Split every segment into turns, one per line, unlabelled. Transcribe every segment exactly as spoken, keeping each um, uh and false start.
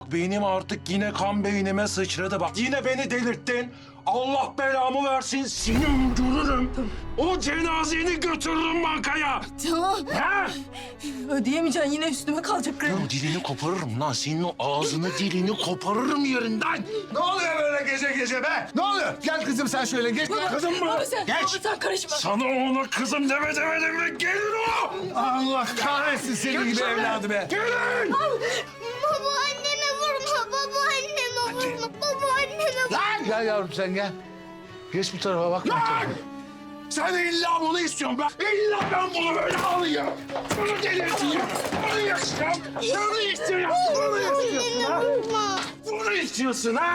benim artık yine kan beynime sıçradı bak. Yine beni delirttin. Allah belamı versin, seni öldürürüm. O cenazeni götürürüm bankaya.
Tamam.
Ha?
Ödeyemeyeceksin, yine üstüme kalacak kredi.
Ya dilini koparırım lan. Senin o ağzını dilini koparırım yerinden.
Ne oluyor böyle gece gece be? Ne oluyor? Gel kızım sen şöyle geç.
Kızım mı?
Baba sen,
Geç.
baba sen karışma.
Sana ona kızım deme demedim mi? Gelin o!
Allah kahretsin senin gibi
Gelsene.
evladı be.
Gelin!
Baba anneme vurma, baba anneme vurma, baba anneme vurma.
Lan! Gel yavrum sen gel. Geç bu tarafa bak. bu
Lan!
tarafa.
Sen illa bunu istiyorsun ben. İlla ben bunu böyle alayım. Bunu delirteyim. Bunu yaşayacağım. Bunu istiyorum. Bunu istiyorsun ha.
Vurma.
Bunu istiyorsun ha.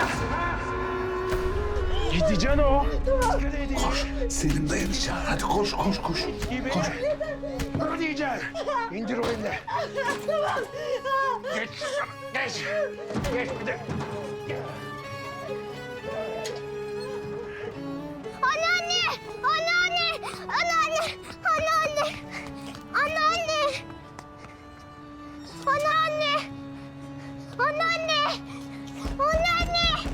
Gideceksin o.
Koş. Selim dayını çağır. Hadi koş koş koş. Koş.
Bunu diyeceksin. İndir o elini. Geç. Geç. Geç bir de.
Anneanne, anneanne, anneanne, anneanne, anneanne, anneanne, anneanne, anneanne.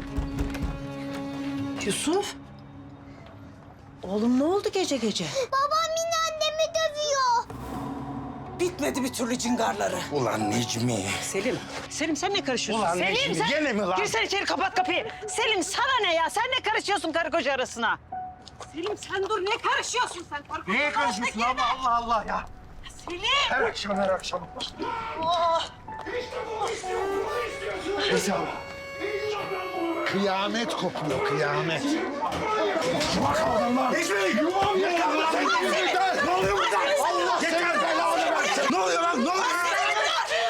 Yusuf. Oğlum ne oldu gece gece?
Babam yine annemi dövüyor.
Bitmedi bir türlü cingarları.
Ulan Necmi.
Selim. Selim sen ne karışıyorsun?
Ulan
Selim
Necmi,
sen...
gene mi lan?
Girsene içeri kapat kapıyı. Selim sana ne ya? Sen ne karışıyorsun karı koca arasına? Selim sen dur ne karışıyorsun sen? Karı koca
Niye karışıyorsun ama Allah Allah ya.
Selim.
Her akşam her akşam.
Oh.
Neyse abi.
Kıyamet kopuyor kıyamet.
Bak adamlar. Necmi yuvam ya. Ne oluyor burada?
Allah
Yeter
seni
belanı versin.
Ne oluyor lan? Ne oluyor?